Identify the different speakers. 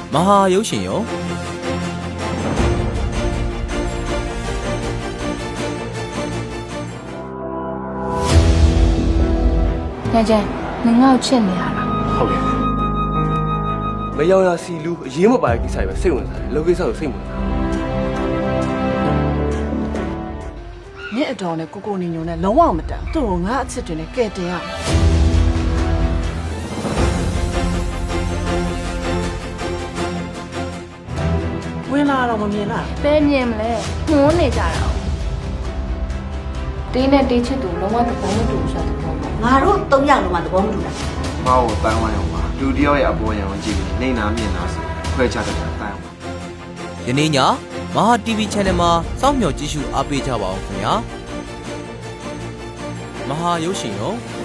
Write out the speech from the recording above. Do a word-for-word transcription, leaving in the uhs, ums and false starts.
Speaker 1: မဟာရုပ်ရှင်ရော
Speaker 2: ညကျန်ငငေါ့ချစ်နေရလား
Speaker 3: ဟုတ်ကဲ့မယောင်ရစီလူအရေးမပါတဲ့ကိစ္စပဲစိတ်ဝင်စားတယ်လောကိစ္စကိုစိတ်ဝင်စား
Speaker 4: နင့်အတော်နဲ့ကိုကိုနေညုံနဲ့လုံးဝမတန်သူ့ကိုငါအချစ်တွေနဲ့ကဲတင်ရမယ်ဝင်လာတော့မမြင်လား
Speaker 2: ပဲမြင်မလဲငုံးနေကြတာတင်းနဲ့တင်းချစ်သူလုံးဝသဘောမတူဘူးဆိုတဲ့ပုံပေါ့
Speaker 5: ငါတို့သုံးယောက်လုံးကသဘောမတူတာ
Speaker 6: ။မောက်ကိုတန်းဝိုင်းအောင်ပါ။လူတယောက်ရဲ့အပေါ်ယံကိုကြည့်ပြီးနေနာမြင်လာဆိုခွဲခြားတတ်တာတန်းအောင်ပါ။
Speaker 1: ယနေ့ညမဟာ တီဗီ Channel မှာစောင့်မျှော်ကြည့်ရှုအားပေးကြပါအောင်ခင်ဗျာမဟာရုပ်ရှင်ရော